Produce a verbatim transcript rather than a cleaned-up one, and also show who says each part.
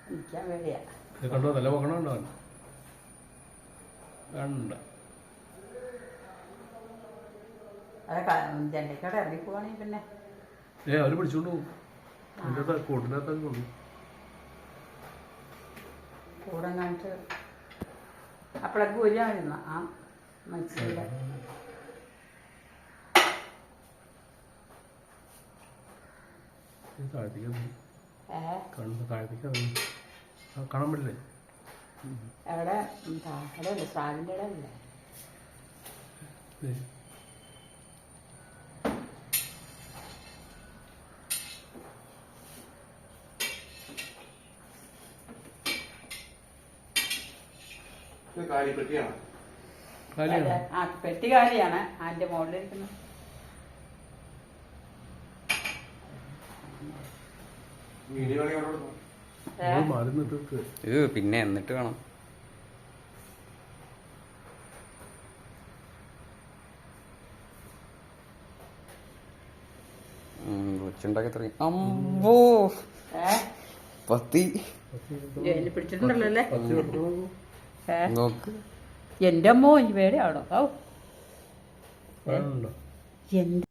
Speaker 1: എനിക്കാ പേടിയാ.
Speaker 2: കണ്ടോ തല പോക്കണുണ്ടോ? കണ്ട
Speaker 1: അതൊക്കെ ജനലിക്കടെ ഇറങ്ങി പോവാണെങ്കിൽ പിന്നെ
Speaker 2: ഏ അവര് പിടിച്ചോണ്ട് പോകും. അതിൻ്റെ കൂട്ടിനകത്തൊക്കെ കൊണ്ടു
Speaker 1: കൂടെ കാണിച്ച് അപ്പോഴൊക്കെ വരുമായിരുന്ന ആ മനസ്സിലെ
Speaker 2: താഴത്തേക്ക്
Speaker 1: ഏ
Speaker 2: താഴത്തേക്ക് കാണാൻ പറ്റില്ലേ?
Speaker 1: എവിടെ അവിടെ ഉണ്ട് സ്രാവിൻ്റെ ഇടം ഇല്ലേ? ആ പെട്ടി കാലിയാണ് അതിന്റെ മുകളിലിരിക്കുന്നത്.
Speaker 3: പിന്നെ എന്നിട്ട് വേണം. കൊച്ചുണ്ടാക്കി തുടങ്ങി. അമ്പോ പത്തി
Speaker 1: പിടിച്ചിട്ടുണ്ടല്ലോ അല്ലേ?
Speaker 3: നോക്ക്.
Speaker 1: എന്റെ അമ്മോ എനിക്ക് പേടിയാവണോ? ഓ എന്ത്